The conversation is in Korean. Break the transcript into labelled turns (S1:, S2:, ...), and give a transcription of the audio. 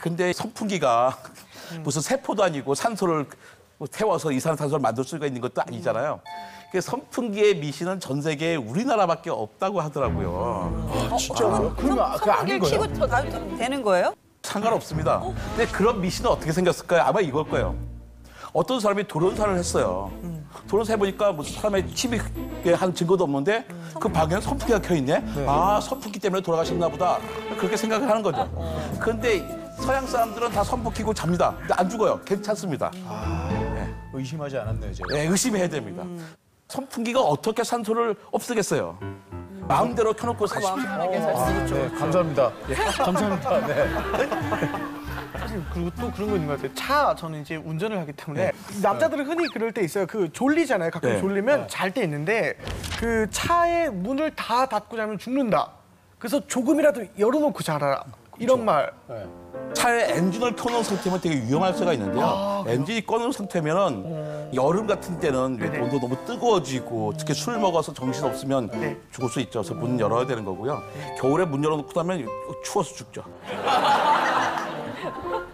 S1: 근데 선풍기가 무슨 세포도 아니고 산소를 태워서 이산화탄소를 만들 수가 있는 것도 아니잖아요. 그 선풍기의 미신은 전 세계에 우리나라밖에 없다고 하더라고요.
S2: 아, 진짜요? 그러면 그게 아닌 거예요?
S3: 키고 더 나도 되는 거예요?
S1: 상관없습니다. 근데 그런 미신은 어떻게 생겼을까요? 아마 이걸 거예요. 어떤 사람이 돌연사를 했어요. 돌연사 해보니까 무슨 사람의 침입에 한 증거도 없는데 그 방에는 선풍기가 켜있네? 아, 선풍기 때문에 돌아가셨나 보다. 그렇게 생각을 하는 거죠. 그런데 서양 사람들은 다 선풍기 켜고 잡니다. 근데 안 죽어요. 괜찮습니다.
S2: 의심하지 않았네요, 제가.
S1: 네, 의심해야 됩니다. 선풍기가 어떻게 산소를 없애겠어요? 마음대로 켜놓고 사십시오.
S2: 네, 감사합니다. 감사합니다. 네.
S4: 사실 그리고 또 그런 거 있는 것 같아요. 차 저는 이제 운전을 하기 때문에 남자들은 흔히 그럴 때 있어요. 그 졸리잖아요. 가끔
S1: 네.
S4: 졸리면 잘 때 있는데 그 차의 문을 다 닫고 자면 죽는다. 그래서 조금이라도 열어놓고 자라. 이런 말.
S1: 차에 엔진을 켜놓은 상태면 되게 위험할 수가 있는데요. 엔진이 꺼놓은 상태면은 여름 같은 때는 온도 너무 뜨거워지고 특히 술 먹어서 정신 없으면 죽을 수 있죠. 그래서 문 열어야 되는 거고요. 겨울에 문 열어놓고 나면 추워서 죽죠.